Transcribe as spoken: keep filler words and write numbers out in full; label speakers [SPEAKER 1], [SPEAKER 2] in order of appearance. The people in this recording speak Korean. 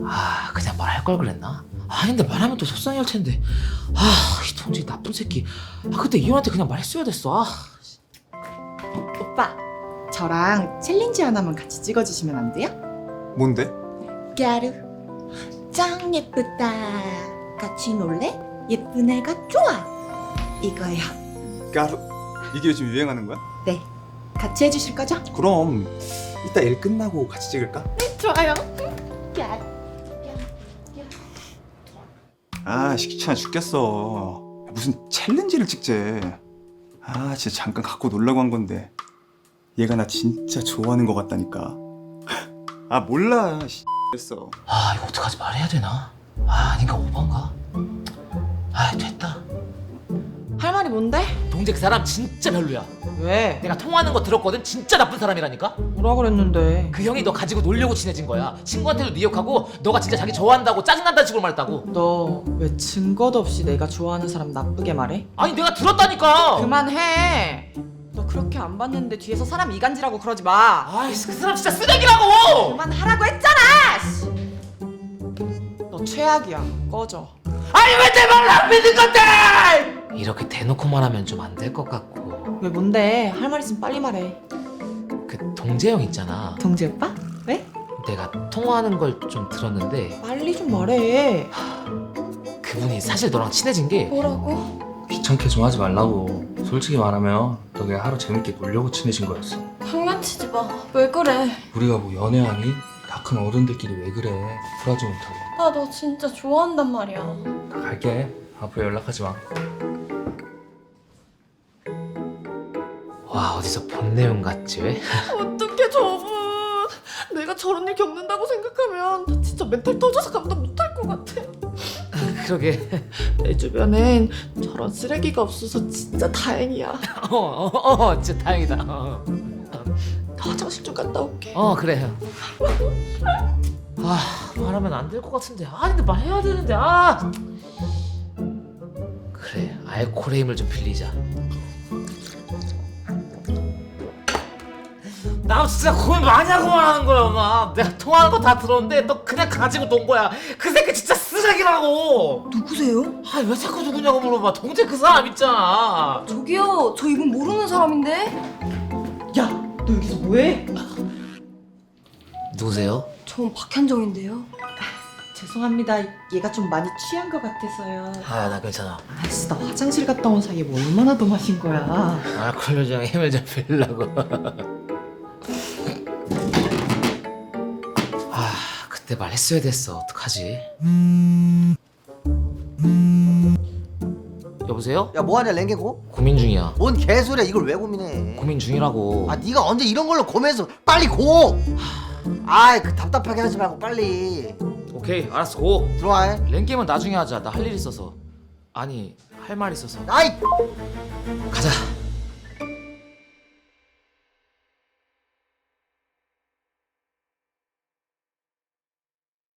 [SPEAKER 1] 아 그냥 말할 걸 그랬나? 아 근데 말하면 또 속상해 할 텐데. 아이 동재 나쁜 새끼. 아 그때 이혼한테 그냥 말했어야 됐어. 아.
[SPEAKER 2] 오빠, 저랑 챌린지 하나만 같이 찍어주시면 안 돼요?
[SPEAKER 3] 뭔데?
[SPEAKER 2] 까루 짱 예쁘다. 같이 놀래? 예쁜 애가 좋아. 이거요.
[SPEAKER 3] 까루? 이게 요즘 유행하는 거야?
[SPEAKER 2] 네, 같이 해주실 거죠?
[SPEAKER 3] 그럼 이따 일 끝나고 같이 찍을까?
[SPEAKER 2] 좋아요. 까루.
[SPEAKER 3] 아 귀찮아 죽겠어. 무슨 챌린지를 찍재. 아 진짜 잠깐 갖고 놀라고 한 건데 얘가 나 진짜 좋아하는 것 같다니까. 아 몰라 했어.
[SPEAKER 1] 아 이거 어떡하지 말해야 되나? 아 아닌가 오반가? 아 됐다.
[SPEAKER 2] 할 말이 뭔데?
[SPEAKER 1] 동재 그 사람 진짜 별로야.
[SPEAKER 2] 왜?
[SPEAKER 1] 내가 통화하는 거 들었거든. 진짜 나쁜 사람이라니까.
[SPEAKER 2] 뭐라 그랬는데?
[SPEAKER 1] 그 형이 너 가지고 놀려고 친해진 거야. 친구한테도 네 욕하고 너가 진짜 자기 좋아한다고 짜증난다는 식으로 말했다고.
[SPEAKER 2] 너 왜 증거도 없이 내가 좋아하는 사람 나쁘게 말해?
[SPEAKER 1] 아니 내가 들었다니까.
[SPEAKER 2] 그만해. 너 그렇게 안 봤는데 뒤에서 사람 이간질하고 그러지 마.
[SPEAKER 1] 아이씨 그 사람 진짜 쓰레기라고.
[SPEAKER 2] 그만하라고 했잖아. 씨. 너 최악이야. 꺼져.
[SPEAKER 1] 아니 왜 내 말을 안 믿는 건데? 이렇게 대놓고 말하면 좀 안 될 것 같고.
[SPEAKER 2] 왜 뭔데? 할 말 있으면 빨리 말해.
[SPEAKER 1] 그 동재 형 있잖아.
[SPEAKER 2] 동재 오빠? 왜?
[SPEAKER 1] 내가 통화하는 걸 좀 들었는데
[SPEAKER 2] 빨리 좀 말해.
[SPEAKER 1] 그분이 사실 너랑 친해진 게
[SPEAKER 2] 뭐라고?
[SPEAKER 4] 귀찮게 좀 하지 말라고. 솔직히 말하면 너 그냥 하루 재밌게 놀려고 친해진 거였어.
[SPEAKER 5] 장난치지 마. 왜 그래?
[SPEAKER 4] 우리가 뭐 연애하니? 다 큰 어른들끼리 왜 그래. 쿨하지 못하게.
[SPEAKER 5] 나 너 진짜 좋아한단 말이야.
[SPEAKER 4] 나 갈게. 앞으로 연락하지 마.
[SPEAKER 1] 와 어디서 본 내용 같지 왜?
[SPEAKER 5] 어떡해 저분. 내가 저런 일 겪는다고 생각하면 나 진짜 멘탈 터져서 감당 못할 것 같아.
[SPEAKER 1] 그러게.
[SPEAKER 5] 내 주변엔 저런 쓰레기가 없어서 진짜 다행이야.
[SPEAKER 1] 어어어 어, 어, 진짜 다행이다. 어,
[SPEAKER 5] 나 화장실 좀 갔다 올게.
[SPEAKER 1] 어 그래. 아 말하면 안 될 것 같은데. 아 근데 말해야 되는데. 아 그래 알코올의 힘을 좀 빌리자. 나 진짜 고민 많이 하고 말하는 거야 엄마. 내가 통화하는 거 다 들었는데 너 그냥 가지고 논 거야. 그 새끼 진짜 쓰레기라고.
[SPEAKER 6] 누구세요?
[SPEAKER 1] 아 왜 자꾸 누구냐고 물어봐. 동재 그 사람 있잖아.
[SPEAKER 6] 저기요, 저 이분 모르는 사람인데?
[SPEAKER 2] 야, 너 여기서 뭐해?
[SPEAKER 1] 누구세요?
[SPEAKER 6] 전 박현정인데요.
[SPEAKER 2] 죄송합니다. 얘가 좀 많이 취한 것 같아서요.
[SPEAKER 1] 아 나 괜찮아.
[SPEAKER 2] 아씨, 나 화장실 갔다 온 사이에 뭐 얼마나 더 마신 거야?
[SPEAKER 1] 알코올 요정의 힘을 좀 빌려고. 아 그때 말했어야 됐어. 어떡하지? 여보세요?
[SPEAKER 7] 야 뭐하냐 랭게고?
[SPEAKER 1] 고민 중이야.
[SPEAKER 7] 뭔 개소리야 이걸 왜 고민해?
[SPEAKER 1] 고민 중이라고.
[SPEAKER 7] 아 네가 언제 이런 걸로 고민해서 빨리 고! 아이 그 답답하게 하지 말고 빨리
[SPEAKER 1] 오케이 알았어 고.
[SPEAKER 7] 들어와 해.
[SPEAKER 1] 랭게임은 나중에 하자. 나 할 일 있어서. 아니 할 말 있어서.
[SPEAKER 7] 아이